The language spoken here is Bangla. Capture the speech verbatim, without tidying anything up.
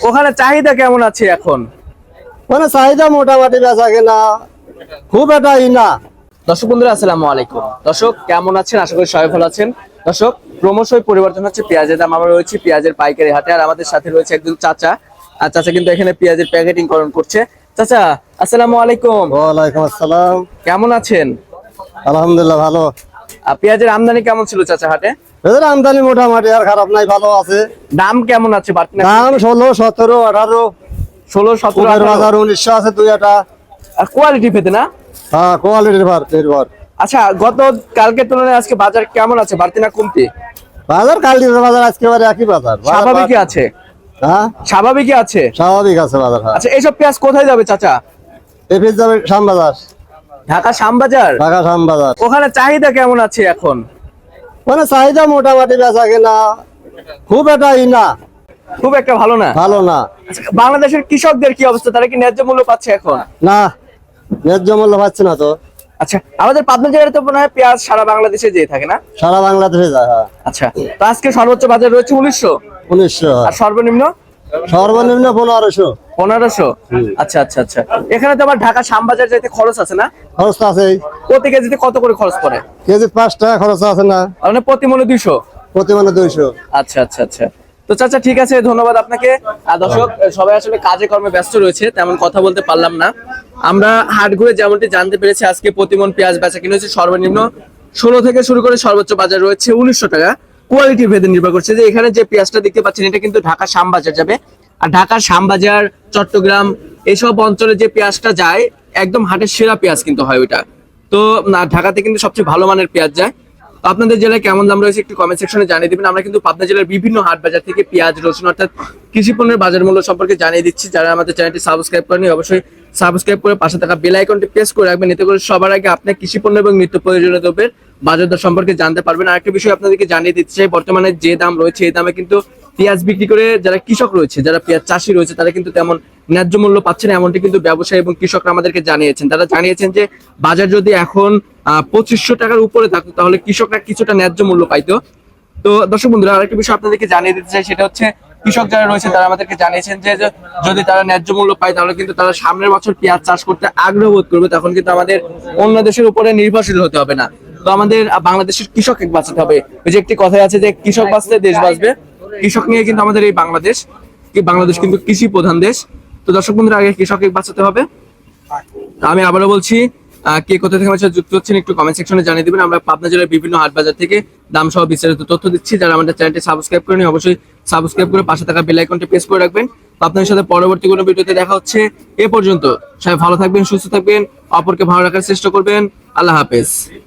ওখানে চাহিদা কেমন আছে এখন? মানে চাহিদা মোটামুটি বেচা কেনা খুব একটা ই না। দর্শক বন্ধুরা আসসালামু আলাইকুম। দর্শক কেমন আছেন? আশা করি সবাই ভালো আছেন। দর্শক ক্রমশই পরিবর্তন হচ্ছে পেঁয়াজের দাম। আমরা রয়েছি পেঁয়াজের পাইকারি হাটে, আর আমাদের সাথে রয়েছে একজন চাচা। আর চাচা কিন্তু এখানে পেঁয়াজের প্যাকেটিং করণ করছে। চাচা আসসালামু আলাইকুম। ওয়ালাইকুম আসসালাম। কেমন আছেন? আলহামদুলিল্লাহ ভালো। আর পেঁয়াজের আমদানি কেমন ছিল চাচা হাটে? এদের আমদানি মোটামুটি আর খারাপ নাই, ভালো আছে। দাম কেমন আছে? দাম ষোলো সতেরো আঠারো ষোলো সতেরো বাজার উনিশশো আছে দুই একটা। আর কোয়ালিটি পেতে না? হ্যাঁ কোয়ালিটির ভার নির্ভর। আচ্ছা, গত কালকের তুলনায় আজকে বাজার কেমন আছে? বাড়তি না কমতি? বাজার কালকের বাজার আজকে একই বাজার। স্বাভাবিকই আছে? হ্যাঁ স্বাভাবিকই আছে, স্বাভাবিক আছে বাজার। আচ্ছা এইসব পেঁয়াজ কোথায় যাবে চাচা? এফিস যাবে শ্যামবাজার। ঢাকা শ্যামবাজার? ঢাকা শ্যামবাজার। ওখানে চাহিদা কেমন আছে এখন? মানে চাহিদা মোটামুটি বেচা কেনা খুব একটা ই না, খুব একটা ভালো না। ভালো না। আচ্ছা, বাংলাদেশের কৃষকদের কি অবস্থা? তারা কি ন্যায্য মূল্য পাচ্ছে এখন? না, ন্যায্য মূল্য পাচ্ছে না তো। আচ্ছা, আমাদের পাবনা জেলায় তো মনে হয় পেঁয়াজ সারা বাংলাদেশে যেয়ে থাকে না? সারা বাংলাদেশে যায়। হ্যাঁ আচ্ছা, তো আজকে সর্বোচ্চ বাজার রয়েছে উনিশশো, উনিশশো আর সর্বনিম্ন সর্বনিম্ন পনেরোশো পনেরোশো। আচ্ছা আচ্ছা আচ্ছা, এখানে তো আবার ঢাকা শ্যামবাজার যাইতে খরচ আছে না? খরচ তো আছে। প্রতি কেজিতে কত করে খরচ পড়ে? কেজি পাঁচ টাকা খরচ আছে না? মানে প্রতি মনে দুইশো? প্রতি মানে দুইশো। আচ্ছা আচ্ছা আচ্ছা, তো চাচা ঠিক আছে, ধন্যবাদ আপনাকে। আর দর্শক সবাই আসলে কাজে কর্মে ব্যস্ত রয়েছে, তেমন কথা বলতে পারলাম না। আমরা হাট ঘুরে যেমনটি জানতে পেরেছি, আজকে প্রতিমন পেঁয়াজ বেচা কিনে হচ্ছে সর্বনিম্ন ষোলো থেকে শুরু করে সর্বোচ্চ বাজার রয়েছে উনিশশো টাকা। কোয়ালিটি ভেদে নির্ভর করছে। যে এখানে যে পেঁয়াজটা দেখতে পাচ্ছেন, এটা কিন্তু ঢাকা শ্যামবাজার যাবে। আর ঢাকা শ্যামবাজার, চট্টগ্রাম এইসব অঞ্চলে যে পেঁয়াজটা যায়, একদম হাটের সেরা পেঁয়াজ কিন্তু হয় ওইটা। তো ঢাকাতে কিন্তু সবচেয়ে ভালো মানের পেঁয়াজ যায়। তো আপনাদের জেলায় কেমন দাম রয়েছে একটু কমেন্ট সেকশনে জানিয়ে দিবেন। আমরা কিন্তু পাবনা জেলার বিভিন্ন হাট বাজার থেকে পেঁয়াজ, রসুন অর্থাৎ কৃষি পণ্যের বাজার মূল্য সম্পর্কে জানিয়ে দিচ্ছি। যারা আমাদের চ্যানেলটি সাবস্ক্রাইব করেনি, অবশ্যই সাবস্ক্রাইব করে পাশে থাকা বেল আইকনটি প্রেস করে রাখবেন। এতে করে সবার আগে আপনি কৃষি পণ্য এবং নিত্য প্রয়োজনীয় দ্রব্যের বাজার দর সম্পর্কে জানতে পারবেন। আরেকটা বিষয় আপনাদেরকে জানিয়ে দিতে চাই, বর্তমানে যে দাম রয়েছে এই দামে কিন্তু পেঁয়াজ বিক্রি করে যারা কৃষক রয়েছে, যারা পেঁয়াজ চাষি রয়েছে, তারা কিন্তু তেমন ন্যায্য মূল্য পাচ্ছে না, এমনটি কিন্তু ব্যবসায়ী এবং কৃষকরা আমাদেরকে জানিয়েছেন। তারা জানিয়েছেন যে বাজার যদি এখন আহ পঁচিশশো টাকার উপরে থাকতো, তাহলে কৃষকরা কিছুটা ন্যায্য মূল্য পাইতো। তো দর্শক বন্ধুরা, আরেকটা বিষয় আপনাদেরকে জানিয়ে দিতে চাই, সেটা হচ্ছে কৃষক যারা রয়েছে তারা আমাদেরকে জানিয়েছেন যে যদি তারা ন্যায্য মূল্য পায়, তাহলে কিন্তু তারা সামনের বছর পেঁয়াজ চাষ করতে আগ্রহ বোধ করবে। তখন কিন্তু আমাদের অন্য দেশের উপরে নির্ভরশীল হতে হবে না। তো আমাদের বাংলাদেশের কৃষক বাঁচাতে হবে। ওই যে একটি কথাই আছে যে কৃষক বাঁচলে দেশ বাঁচবে। কৃষক নিয়ে কিন্তু আমাদের এই বাংলাদেশ, কি বাংলাদেশ কিন্তু কৃষি প্রধান দেশ। তো দর্শক বন্ধুরা, আগে কৃষক বাঁচাতে হবে। আমি আবারও বলছি, কে কোথা থেকে আমার সাথে যুক্ত হচ্ছেন একটু কমেন্ট সেকশনে জানিয়ে দিবেন। আমরা পাবনা জেলার বিভিন্ন হাট বাজার থেকে দাম সহ বিস্তারিত তথ্য দিচ্ছি। যারা আমাদের চ্যানেলটি সাবস্ক্রাইব করেনি, অবশ্যই সাবস্ক্রাইব করে পাশে থাকা বেল আইকনটি প্রেস করে রাখবেন। আপনাদের সাথে পরবর্তী কোনো ভিডিওতে দেখা হচ্ছে। এ পর্যন্ত সবাই ভালো থাকবেন, সুস্থ থাকবেন, অপরকে ভালো রাখার চেষ্টা করবেন। আল্লাহ হাফেজ।